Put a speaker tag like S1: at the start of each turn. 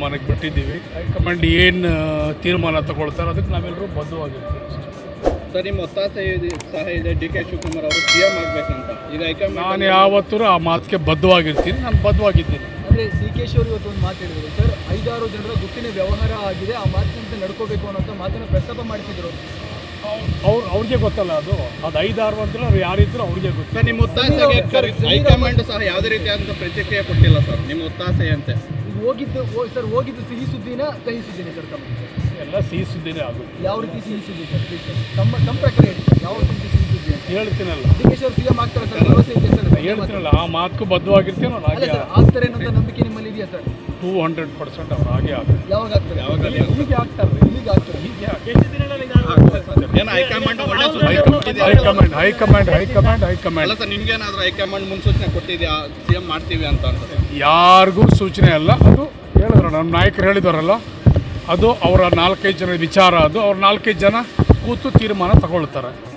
S1: ತೀರ್ಮಾನಕ್ಕೆ ಬಿಟ್ಟಿದ್ದೀವಿ. ಹೈಕಮಾಂಡ್ ಏನು ತೀರ್ಮಾನ ತಗೊಳ್ತಾರೆ ಅದಕ್ಕೆ ನಾವೆಲ್ಲರೂ ಬದ್ಧವಾಗಿರ್ತೀವಿ.
S2: ಸರ್, ನಿಮ್ಮ ಒತ್ತಾಸೆ ಸಹ ಇದೆ ಡಿ ಕೆ ಶಿವಕುಮಾರ್ ಅವರು ಸಿಎಂ ಆಗಬೇಕಂತ. ಈಗ ಹೈಕಮಾಂಡ್
S1: ನಾನು ಯಾವತ್ತೂ ಆ ಮಾತಿಗೆ ಬದ್ಧವಾಗಿರ್ತೀನಿ. ನಾನು ಬದ್ಧವಾಗಿದ್ದೀನಿ.
S3: ಅಂದರೆ ಡಿ ಕೆ ಶಿ ಅವರು ಇವತ್ತು ಒಂದು ಮಾತು ಹೇಳಿದರು ಸರ್, 5-6 ಜನರ ಗುಟ್ಟಿನ ವ್ಯವಹಾರ ಆಗಿದೆ, ಆ ಮಾತಿನಂತೆ ನಡ್ಕೋಬೇಕು ಅನ್ನೋಂಥ ಮಾತನ್ನು ಪ್ರಸ್ತಾಪ ಮಾಡ್ತಿದ್ರು.
S1: ಅವ್ರಿಗೆ ಗೊತ್ತಲ್ಲ ಅದು 5-6 ಅಂದ್ರೆ ಅವ್ರು ಯಾರಿದ್ರು ಅವ್ರಿಗೆ ಗೊತ್ತು.
S2: ಸರ್, ನಿಮ್ಮ ಒತ್ತಾಸೆಗೆ ಹೈಕಮಾಂಡ್ ಸಹ ಯಾವುದೇ ರೀತಿಯಾದಂಥ ಪ್ರತಿಕ್ರಿಯೆ ಕೊಟ್ಟಿಲ್ಲ ಸರ್. ನಿಮ್ಮ ಒತ್ತಾಸೆ ಅಂತೆ
S3: ಹೋಗಿದ್ದು ಸಿಹಿ ಸುದ್ದಿನ ಕಹಿ ಸುದ್ದಿನೇ ಸರ್?
S1: ಎಲ್ಲ ಸಿಹಿ ಸುದ್ದಿನೇ ಆಗುತ್ತೆ.
S3: ಯಾವ ರೀತಿ ಸಿಹಿ ಸುದ್ದಿ ಸರ್? ತಮ್ಮ ಪ್ರಕಾರ ಹೇಳಿ, ಯಾವ ರೀತಿ ಸಿಹಿ ಸುದ್ದಿ ಅಂತ
S1: ಹೇಳ್ತೀನಲ್ಲ.
S3: ಡಿ ಕೆ ಶಿ ಅವರು ಸಿಎಂ ಆಗ್ತಾರೆ ಸರ್, ಭರವಸೆ ಇದೆ ಸರ್?
S1: ಹೇಳ್ತೀನಲ್ಲ, ಆ ಮಾತಕ್ಕೂ ಬದ್ಧವಾಗಿರ್ತೀನಿ. ನಾನು ಹಾಗೆ
S3: ಸರ್ ಆಗ್ತಾರೆ ಅನ್ನೋಂಥ ನಂಬಿಕೆ ನಿಮ್ಮಲ್ಲಿ ಇದೆಯಾ ಸರ್?
S1: 200% ಅವ್ರು ಹಾಗೆ ಆಗುತ್ತೆ.
S3: ಯಾವಾಗ ಆಗ್ತಾರೆ?
S1: ಹೀಗೆ ಆಗ್ತಾರೆ.
S3: ಈಗ ಆಗ್ತಾರೆ.
S2: ಏನು ಹೈಕಮಾಂಡ್ ಒಳ್ಳೆ
S1: ಹೈಕಮಾಂಡ್
S2: ಅಲ್ಲ ಸರ್, ನಿಮ್ಗೇನಾದ್ರೂ ಹೈಕಮಾಂಡ್ ಮುನ್ಸೂಚನೆ ಕೊಟ್ಟಿದ್ಯಾ ಸಿಎಂ ಮಾಡ್ತೀವಿ ಅಂತ?
S1: ಯಾರಿಗೂ ಸೂಚನೆ ಅಲ್ಲ. ಅದು ಹೇಳಿದ್ರು ನಮ್ಮ ನಾಯಕರು ಹೇಳಿದಾರಲ್ಲ, ಅದು ಅವರ 4-5 ಜನ ವಿಚಾರ. ಅದು ಅವ್ರ 4-5 ಜನ ಕೂತು ತೀರ್ಮಾನ ತಗೊಳ್ತಾರೆ.